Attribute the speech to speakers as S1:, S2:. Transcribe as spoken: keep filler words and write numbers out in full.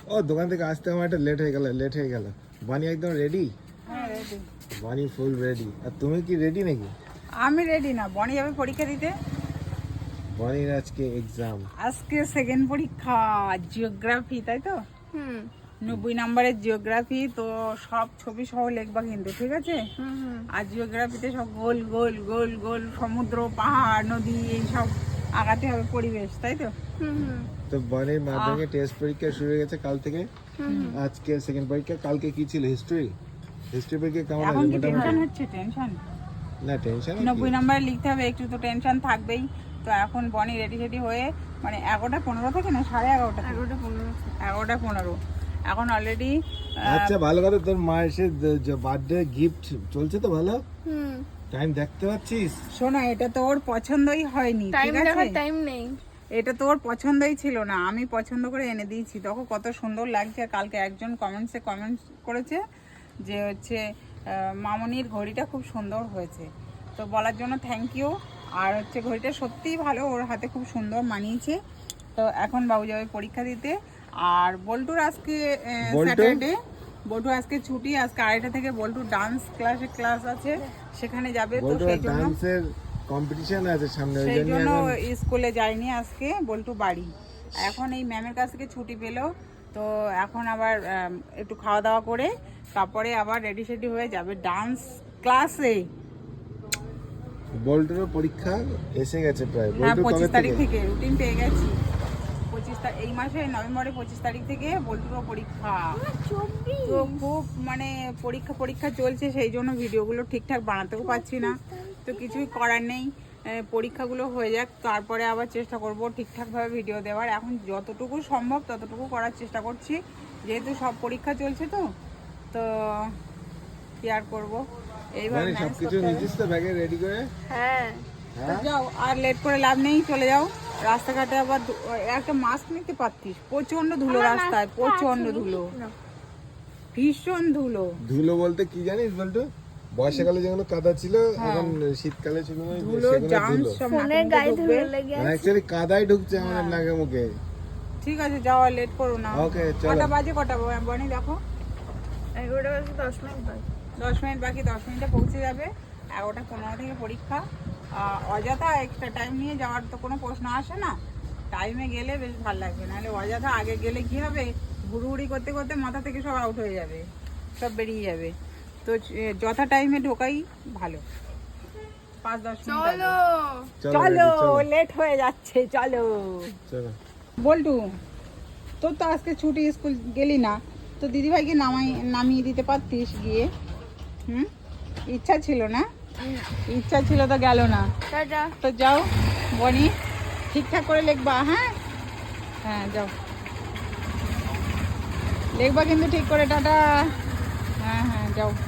S1: ও দোকান থেকে আসতে আমার একটা লেট হয়ে গেল লেট হয়ে গেল বানি একদম রেডি?
S2: হ্যাঁ রেডি।
S1: বানি ফুল রেডি। আর তুমি কি রেডি নাকি?
S2: আমি রেডি না, বনি যাবে পরীক্ষা দিতে।
S1: বানির আজকে এক্সাম।
S2: আজকে সেকেন্ড পরীক্ষা, জিওগ্রাফি, তাই তো?
S3: হুম
S2: নব্বই নম্বরের জিওগ্রাফি। তো সব ছবি সহ লিখবা কিন্তু, ঠিক আছে?
S3: হুম হুম
S2: আর জিওগ্রাফিতে সব গোল গোল গোল গোল সমুদ্র, পাহাড়, নদী, এইসব আগাতে হবে, পরিবেশ, তাই তো?
S3: হুম হুম
S1: তো বানির মাধ্যমিক টেস্ট পরীক্ষা শুরু হয়ে গেছে কাল থেকে। আজকে সেকেন্ড পরীক্ষা, কালকে কি ছিল? হিস্ট্রি। হিস্ট্রি পরীক্ষা কেমন
S2: এখন
S1: হলো
S2: কি টেনশন
S1: মোটামুটি?
S2: হচ্ছে? টেনশন
S1: না টেনশন
S2: নব্বই নম্বরে লিখতে হবে, একটু তো টেনশন থাকবেই। তো এখন বনি রেডি রেডি হয়ে, মানে এগারোটা পনেরো থেকে না সাড়ে এগারোটা থেকে?
S3: এগারোটা পনেরো
S2: এগারোটা পনেরো এখন অলরেডি।
S1: আচ্ছা ভালো কথা, তোর মা এসে বার্থডে গিফট চলছে তো ভালো?
S3: হুম
S1: টাইম দেখতে পাচ্ছিস?
S2: শোনো, এটা তো ওর পছন্দই হয়নি,
S3: টাইম
S2: ঠিক আছে?
S3: দেখার টাইম নেই।
S2: এটা তো ওর পছন্দই ছিল না, আমি পছন্দ করে এনে দিয়েছি। তখন কত সুন্দর লাগছে। কালকে একজন কমেন্টসে কমেন্টস করেছে যে হচ্ছে আহ, মামনির ঘড়িটা খুব সুন্দর হয়েছে। তো বলার জন্য থ্যাংক ইউ। আর হচ্ছে ঘড়িটা সত্যিই ভালো, ওর হাতে খুব সুন্দর মানিয়েছে। তো এখন বাবু যাবে পরীক্ষা দিতে। আর বল্টুর আজকে
S1: বল্টু?
S2: স্যাটারডে, বল্টু আজকে ছুটি। আজকে আড়াইটা থেকে বল্টুর ডান্স ক্লাসে ক্লাস আছে, সেখানে যাবে। তো
S1: বলতো
S2: সেই জন্য
S1: ডান্সের কম্পিটিশন আছে সামনে, ওই
S2: সেই
S1: জন্য
S2: জন্য
S1: এখন
S2: স্কুলে যায়নি আজকে বল্টু বাড়ি। এখন এই ম্যামের কাছ থেকে ছুটি পেলো, তো এখন আবার আম, একটু খাওয়া দাওয়া করে তারপরে আবার রেডি সেডি হয়ে যাবে ডান্স ক্লাসে।
S1: বল্টুর পরীক্ষা এসে গেছে প্রায়।
S2: হ্যাঁ,
S1: বল্টু
S2: পঁচিশ
S1: কবে
S2: তারিখ
S1: থেকে?
S2: থেকে রুটিন পেয়ে গেছি। পঁচিশ তারিখ এই মাসে নভেম্বরের পঁচিশ তারিখ থেকে বল্টুরও পরীক্ষা।
S3: চব্বিশ
S2: তো খুব মানে পরীক্ষা পরীক্ষা চলছে, সেই জন্য ভিডিওগুলো ঠিকঠাক বানাতেও পারছি না। তো কিছুই করার নেই, এ, পরীক্ষাগুলো হয়ে যাক, তারপরে আবার চেষ্টা করব ঠিকঠাকভাবে ভিডিও দেওয়ার। এখন যতটুকু সম্ভব ততটুকু করার চেষ্টা করছি, যেহেতু সব পরীক্ষা চলছে। তো তো কি আর করবো, এইবার
S1: মানে
S2: ম্যানেজ
S1: সবকিছু
S2: করতে হবে।
S1: নিয়েছিস তো ব্যাগে রেডি করে?
S3: হ্যাঁ
S2: তো
S1: হ্যাঁ
S2: যাও, আর লেট করে লাভ নেই, চলে যাও। রাস্তাঘাটে আবার ধু- একটা মাস্ক নিতে পারতিস, প্রচন্ড ধুলো রাস্তায়, প্রচন্ড ধুলো, ভীষণ ধুলো।
S1: ধুলো বলতে কি জানিস বল্টু? বর্ষাকালে যেগুলো কাদা ছিল,
S2: হ্যাঁ।
S1: এখন শীতকালে ছিল না,
S2: ধুলো
S1: সেগুলো
S2: জাম
S1: ধুলো।
S2: সব
S3: ফোনের
S2: নাকে
S3: গায়ে
S2: মুখে
S3: ধুলো
S2: ঢুকবে।
S3: লেগে
S1: মানে
S3: আছে।
S1: অ্যাকচুয়ালি কাদাই ঢুকছে আমাদের নাকে মুখে।
S2: ঠিক আছে, যাও, আর লেট করো না।
S1: ওকে চলো।
S2: কটা বাজে, কটা বনি দেখো?
S3: এগারোটা বাজে দশ মিনিট বাজে।
S2: দশ মিনিট বাকি, দশ মিনিটে পৌঁছে যাবে। এগারোটা পনেরো থেকে পরীক্ষা। আহ, অযথা এক্সট্রা টাইম নিয়ে যাওয়ার তো কোনো প্রশ্ন আসে না। টাইমে গেলে বেশ ভালো লাগবে, নাহলে অযথা আগে গেলে কি হবে, হুড়ুহুড়ি করতে করতে মাথা থেকে সব আউট হয়ে যাবে, সব বেরিয়ে যাবে। তো এ, যথা টাইমে ঢোকাই ভালো। পাঁচ দশ মিনিট আগে।
S3: চলো
S1: চলো
S2: চলো,
S1: ready, চলো।
S2: লেট হয়ে যাচ্ছে, চলো।
S1: চলো।
S2: বল্টু, তোর তো আজকে ছুটি, স্কুল গেলি না, তো দিদিভাইকে নামাই নামিয়ে দিতে পারতিস গিয়ে। হুম, ইচ্ছা ছিল না? ইচ্ছা ছিল তো গেল না।
S3: টাটা।
S2: তো যাও বনি, ঠিকঠাক করে লিখবা। হ্যাঁ হ্যাঁ, যাও লিখবা কিন্তু ঠিক করে। টাটা। হ্যাঁ হ্যাঁ, যাও।